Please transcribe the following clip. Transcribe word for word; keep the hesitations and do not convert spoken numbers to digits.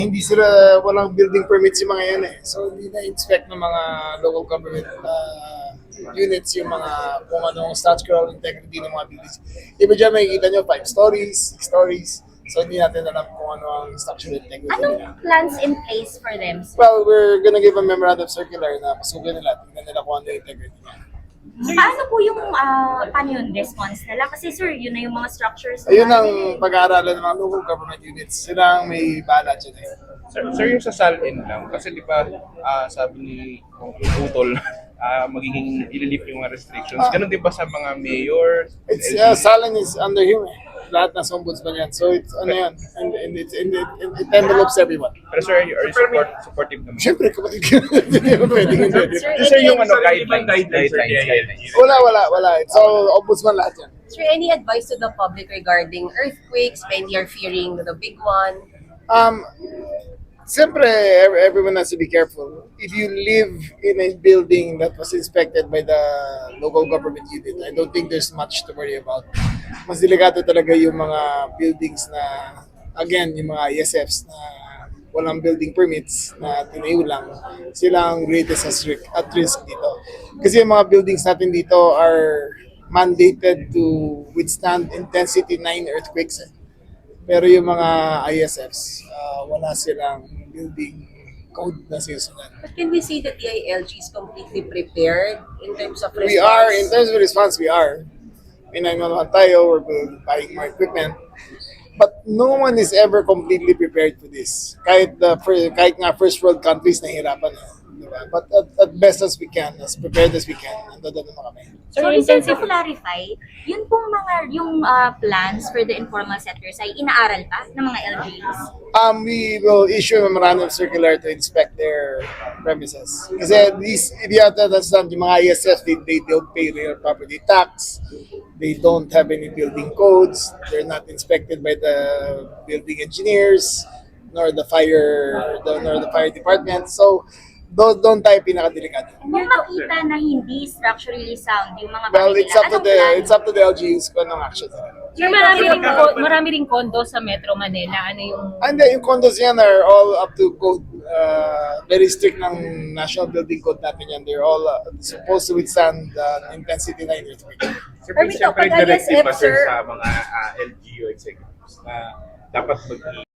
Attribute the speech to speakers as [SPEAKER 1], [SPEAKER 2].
[SPEAKER 1] Hindi sila, walang building permits yung mga yan eh. So hindi na-inspect ng mga local government uh, units yung mga kung anong structural integrity ng mga buildings. Iba dyan makikita nyo five stories, six stories. So hindi natin alam kung ano ang structural integrity
[SPEAKER 2] Anong
[SPEAKER 1] nila.
[SPEAKER 2] plans in place for them? sir?
[SPEAKER 1] Well, we're gonna give a memorandum circular na pasukin nila, tingnan nila kung ano yung integrity niya.
[SPEAKER 2] Paano po yung, ah, paano yung response nila? Kasi sir, yun na yung mga structures. na-
[SPEAKER 1] Ayun ang pag-aaralan ng mga local government units. Sila ang may bahala dyan eh.
[SPEAKER 3] Sir, sir, yung sa SALN lang, kasi di ba ah, sabi ni Utol, ah, magiging ililift yung mga restrictions. Ganun din ba sa mga mayor?
[SPEAKER 1] It's,
[SPEAKER 3] L G U?
[SPEAKER 1] uh, Salin is under him eh. Lahat ng ombudsman yan. So it's ano yan. And, and, it, and it, it, it envelopes everyone.
[SPEAKER 3] Pero sir, are you, are you support, supportive naman?
[SPEAKER 1] Siyempre, kapatid ko. Hindi mo pwedeng hindi.
[SPEAKER 2] Sir,
[SPEAKER 3] Sir, yung ano,
[SPEAKER 4] Sir,
[SPEAKER 3] guidelines,
[SPEAKER 4] guidelines,
[SPEAKER 3] guidelines,
[SPEAKER 4] sir,
[SPEAKER 3] guidelines.
[SPEAKER 1] Wala, wala, wala. It's all ombudsman lahat yan.
[SPEAKER 5] Sir, any advice to the public regarding earthquakes when you're fearing the big one?
[SPEAKER 1] Um, Siyempre, ev- everyone has to be careful. If you live in a building that was inspected by the local government unit, I don't think there's much to worry about. Mas delikado talaga yung mga buildings na, again, yung mga I S Fs na walang building permits na tinayo lang. Sila ang greatest at risk, at risk dito. Kasi yung mga buildings natin dito are mandated to withstand intensity nine earthquakes. Eh. Pero yung mga I S Fs, uh, wala silang building code na sinusunod.
[SPEAKER 5] But can we say that the I L G is completely prepared in terms of response?
[SPEAKER 1] We are, in terms of response, we are. May nine one one tayo, we're buying more equipment. But no one is ever completely prepared for this. Kahit, the, fir- kahit nga first world countries nahihirapan. Eh. Diba? But at, at best as we can, as prepared as we can, nandun naman kami.
[SPEAKER 2] Sorry, sir, to clarify, yun pong mga, yung ah, plans for the informal sectors ay inaaral pa ng mga L G Us?
[SPEAKER 1] Um, we will issue a memorandum circular to inspect their premises. Kasi these, if you have to understand, yung mga I S Fs, they, they don't pay real property tax. They don't have any building codes. They're not inspected by the building engineers, nor the fire, the, nor the fire department. So, doon, doon tayo pinakadelikado.
[SPEAKER 2] Kung makita na hindi structurally sound yung mga
[SPEAKER 1] Well,
[SPEAKER 2] bahay
[SPEAKER 1] it's
[SPEAKER 2] nila,
[SPEAKER 1] up to
[SPEAKER 2] anong
[SPEAKER 1] the,
[SPEAKER 2] plan?
[SPEAKER 1] it's up to the L G Us kung anong action nila.
[SPEAKER 6] Sir, marami ring, ko- marami ring kondo sa Metro Manila. Ano yung...
[SPEAKER 1] And then, yung condos yan are all up to code. Uh, very strict ng National Building Code natin yan. They're all uh, supposed to withstand uh, intensity nine earthquake.
[SPEAKER 4] Sir,
[SPEAKER 5] Permit
[SPEAKER 4] siyempre,
[SPEAKER 5] ako, pag
[SPEAKER 4] directive
[SPEAKER 5] I S F,
[SPEAKER 4] ba sir
[SPEAKER 5] sir?
[SPEAKER 4] sa mga ah, L G U executives na dapat mag